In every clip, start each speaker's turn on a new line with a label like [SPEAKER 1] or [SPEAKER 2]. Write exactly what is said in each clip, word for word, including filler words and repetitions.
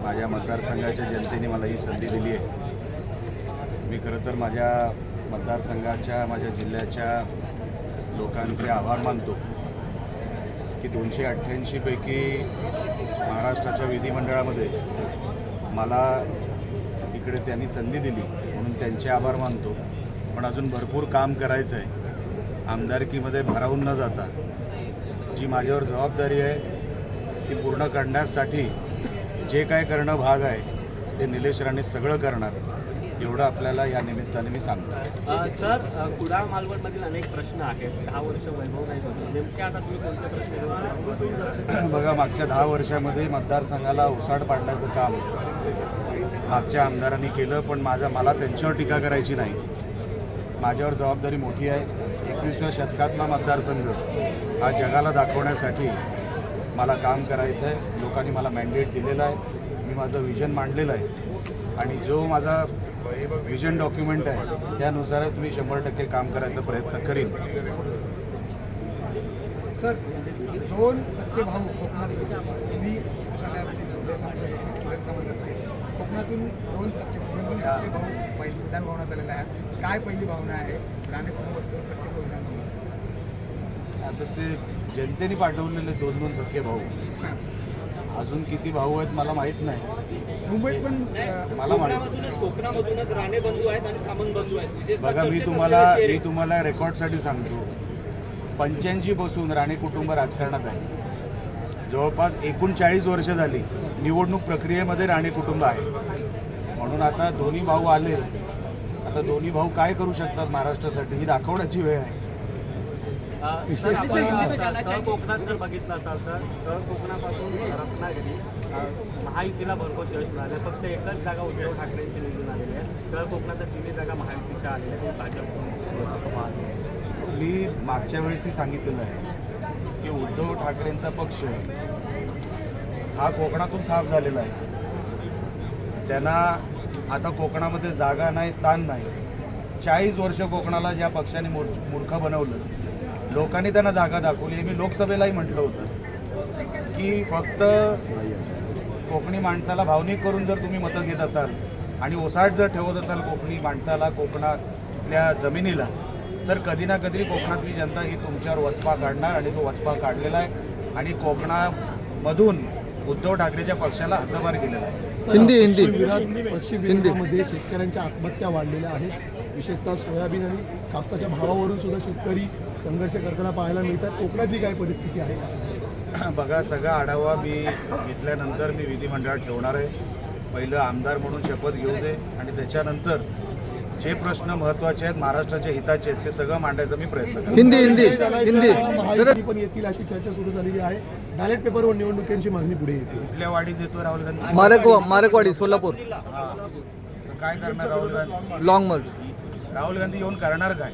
[SPEAKER 1] माझ्या मतदारसंघाच्या जनतेने मला ही संधी दिली आहे. मी खरं तर माझ्या मतदारसंघाच्या माझ्या जिल्ह्याच्या लोकांचे आभार मानतो की दोनशे अठ्ठ्याऐंशीपैकी महाराष्ट्राच्या विधिमंडळामध्ये मला इकडे त्यांनी संधी दिली म्हणून त्यांचे आभार मानतो. पण अजून भरपूर काम करायचं आहे. आमदारकीमध्ये भारावून न जाता जी माझ्यावर जबाबदारी आहे ती पूर्ण करण्यासाठी जे काय करणं भाग आहे ते निलेश राणे सगळं करणार एवढं आपल्याला या निमित्ताने मी सांगतो.
[SPEAKER 2] सर, कुडाळ मालवणमधील अनेक प्रश्न आहेत. दहा वर्ष वैभव नाही होते, नेमके आता तुम्ही कोणते प्रश्न?
[SPEAKER 1] बघा, मागच्या दहा वर्षामध्ये मतदारसंघाला उसाड पाडण्याचं काम मागच्या आमदारांनी केलं, पण माझ्या मला त्यांच्यावर टीका करायची नाही. माझ्यावर जबाबदारी मोठी आहे. एकविसाव्या शतकातला मतदारसंघ हा जगाला दाखवण्यासाठी मला काम करायचं आहे. लोकांनी मला मॅन्डेट दिलेलं आहे. मी माझं विजन मांडलेलं आहे आणि जो माझा विजन डॉक्युमेंट आहे त्यानुसारच मी शंभर टक्के काम करायचा प्रयत्न करीन.
[SPEAKER 3] सर, दोन सत्य भाऊ कोकणातून तुम्ही कोकणातून दोन सत्य दोन सत्य भाऊ पहिली विधान भवनात आलेले आहेत. काय पहिली भावना आहे राणे कुटुंबात दोन सत्य भाऊ विधान भवन?
[SPEAKER 1] आता ते जनतेने पाठवलेले दोन दोन सख्खे भाऊ, अजून किती भाऊ आहेत मला माहीत नाही.
[SPEAKER 3] मुंबईत पण
[SPEAKER 1] मला माहिती
[SPEAKER 4] कोकणामधूनच राणे बंधू आहेत आणि सामंत बंधू आहेत.
[SPEAKER 1] बघा, मी तुम्हाला मी तुम्हाला रेकॉर्डसाठी सांगतो, पंच्याऐंशी पासून राणे कुटुंब राजकारणात आहे. जवळपास एकोणचाळीस वर्ष झाली निवडणूक प्रक्रियेमध्ये राणे कुटुंब आहे. म्हणून आता दोन्ही भाऊ आले, आता दोन्ही भाऊ काय करू शकतात महाराष्ट्रासाठी ही दाखवण्याची वेळ आहे.
[SPEAKER 2] तळ कोकणात जर बघितलं असाल तर तळ कोकणापासून रत्नागिरी महायुतीला भरपूर यश मिळाले. फक्त एकच जागा उद्धव ठाकरेंची निवडून आलेली आहे. तळ कोकणाच्या तिन्ही जागा महायुतीच्या आलेल्या आहेत. भाजप
[SPEAKER 1] मी मागच्या वेळेसही सांगितलेलं आहे की उद्धव ठाकरेंचा पक्ष हा कोकणातून साफ झालेला आहे. त्यांना आता कोकणामध्ये जागा नाही, स्थान नाही. चाळीस वर्ष कोकणाला ज्या पक्षाने मूर् मूर्ख बनवलं, लोकांनी त्यांना जागा दाखवली. मी लोकसभेलाही म्हटलं होतं की फक्त कोकणी माणसाला भावनिक करून जर तुम्ही मतं घेत असाल आणि ओसाड जर ठेवत असाल कोकणी माणसाला, कोकणातल्या जमिनीला, तर कधी ना कधी कोकणातली जनता ही तुमच्यावर वचपा काढणार आणि तो वचपा काढलेला आहे आणि कोकणामधून उद्धव ठाकरेच्या पक्षाला हद्दपार केलेला आहे.
[SPEAKER 5] हिंदी हिंदी
[SPEAKER 6] पश्चिम विदर्भामध्ये शेतकऱ्यांच्या आत्महत्या वाढलेल्या आहेत. विशेषतः सोयाबीन आणि कापसाच्या भावावरून सुद्धा शेतकरी संघर्ष करताना पाहायला मिळतात. कोकणातली काय परिस्थिती आहे असं?
[SPEAKER 1] बघा, सगळा आढावा मी घेतल्यानंतर मी विधिमंडळात ठेवणार आहे. पहिलं आमदार म्हणून शपथ घेऊ दे आणि त्याच्यानंतर जे प्रश्न महत्त्वाचे आहेत, महाराष्ट्राच्या हिताचे आहेत, ते सगळं मांडायचा मी प्रयत्न करतो.
[SPEAKER 5] हिंदी हिंदी हिंदी
[SPEAKER 6] महायुती पण येतील अशी चर्चा सुरू झालेली आहे. बॅलेट पेपरवर निवडणुकीची मागणी पुढे येते.
[SPEAKER 1] कुठल्या वाढीत देतो राहुल गांधी?
[SPEAKER 5] मारेक मारेकवाडी सोलापूर.
[SPEAKER 1] हा, काय करणार राहुल गांधी?
[SPEAKER 5] Long march.
[SPEAKER 1] राहुल गांधी येऊन करणार काय?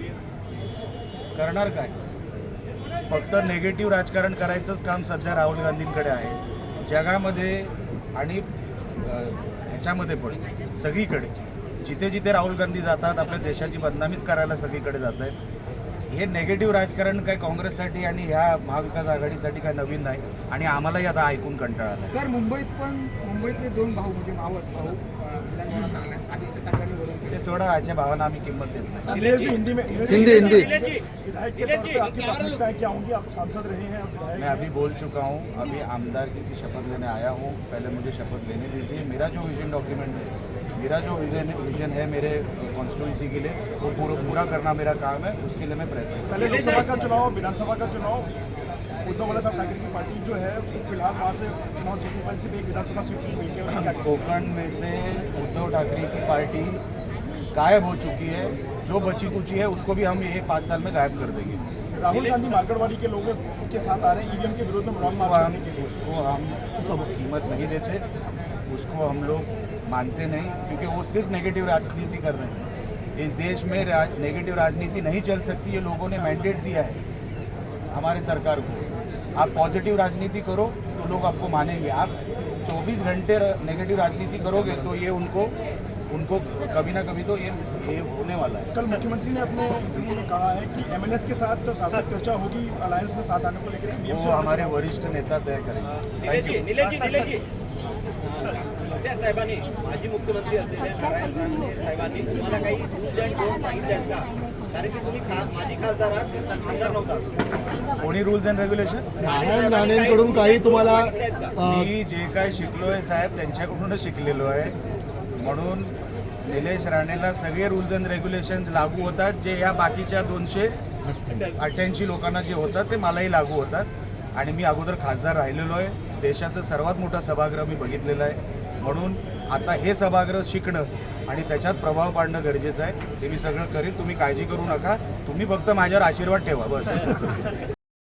[SPEAKER 1] करणार काय? फक्त नेगेटिव्ह राजकारण करायचंच काम सध्या राहुल गांधींकडे आहे. जगामध्ये आणि ह्याच्यामध्ये पण सगळीकडे जिथे जिथे राहुल गांधी जातात आपल्या देशाची बदनामीच करायला सगळीकडे जात आहेत. हे नेगेटिव्ह राजकारण काय काँग्रेससाठी आणि ह्या महाविकास आघाडीसाठी काय नवीन नाही आणि आम्हालाही आता ऐकून कंटाळा आला.
[SPEAKER 3] सर, मुंबईत पण मुंबईतले दोन भाऊ म्हणजे मावस भाऊ आदित्य ठाकरे
[SPEAKER 1] ते सोडा, अशा भावांना आम्ही किंमत देत नाही.
[SPEAKER 6] हिंदी में
[SPEAKER 5] हिंदी हिंदी
[SPEAKER 1] मैं अभी बोल चुका हूँ. अभी आमदारकी की शपथ लेने आया हूँ. पहले मुझे शपथ लेने दीजिए. मेरा जो विजन डॉक्यूमेंट है, मेरा जो विजन विजन है मेरे कॉन्स्टिट्यूंसी के लिए, वो पूरा पूरा करना मेरा काम है. उसके लिए मैं प्रयत्न
[SPEAKER 6] पहले लोकसभा का चुनाव, विधानसभा का चुनाव, उद्धव बाला साहब ठाकरे की पार्टी जो है फिलहाल वहाँ से चुनाव जीतने वाली सिर्फ एक विधानसभा सीट मिली है.
[SPEAKER 1] कोकण में से उद्धव ठाकरे की पार्टी गायब हो चुकी है. जो बची कुची है उसको भी हम ये पाँच साल में गायब कर देंगे.
[SPEAKER 6] राहुल गांधी मार्केटवाड़ी के लोगों के साथ आ रहे हैं ईवीएम के विरोध में लॉन्ग
[SPEAKER 1] उसको
[SPEAKER 6] मार्च
[SPEAKER 1] हम
[SPEAKER 6] करने के लिए.
[SPEAKER 1] उसको हम सब कीमत नहीं देते, उसको हम लोग मानते नहीं, क्योंकि वो सिर्फ नेगेटिव राजनीति कर रहे हैं. इस देश में राज नेगेटिव राजनीति नहीं चल सकती. ये लोगों ने मैंडेट दिया है हमारे सरकार को. आप पॉजिटिव राजनीति करो तो लोग आपको मानेंगे. आप चौबीस घंटे नेगेटिव राजनीति करोगे तो ये उनको उनको कभी ना कभी तो ये ये होने वाला है.
[SPEAKER 6] कल मुख्यमंत्री ने अपने इंटरव्यू में कहा है कि एमएनएस के साथ सार्थक चर्चा होगी अलायंस में साथ आने को लेकर.
[SPEAKER 1] वो हमारे वरिष्ठ नेता तय करेंगे. Thank you.
[SPEAKER 4] शिंदे साहेबांनी माजी मुख्यमंत्री असलेल्या नारायण राणे साहेबांनी तुम्हाला काही रूल्स अँड नॉर्म्स सांगितले आहेत का? कारण की तुम्ही खा माजी खासदार आहात, आमदार नव्हता.
[SPEAKER 1] कोणी रूल्स अँड रेग्युलेशन?
[SPEAKER 6] नारायण राणेंकडून काही तुम्हाला अं,
[SPEAKER 1] मी जे काय शिकलोय साहेब त्यांच्याकडूनच शिकलेलो आहे. म्हणून निलेश राणेला सगळे रूल्स अँड रेग्युलेशन लागू होतात, जे या बाकीच्या दोनशे अठ्ठ्याऐंशी लोकांना जे होतात ते मलाही लागू होतात. आणि मी अगोदर खासदार राहिलेलो आहे. देशाचं सर्वात मोठं सभागृह मी बघितलेलं आहे. म्हणून आता हे सभागृह शिकणं आणि त्याच्यात प्रभाव पाडणं गरजेचं आहे. ते मी सगळं करीन, तुम्ही काळजी करू नका. तुम्ही फक्त माझ्यावर आशीर्वाद ठेवा बस.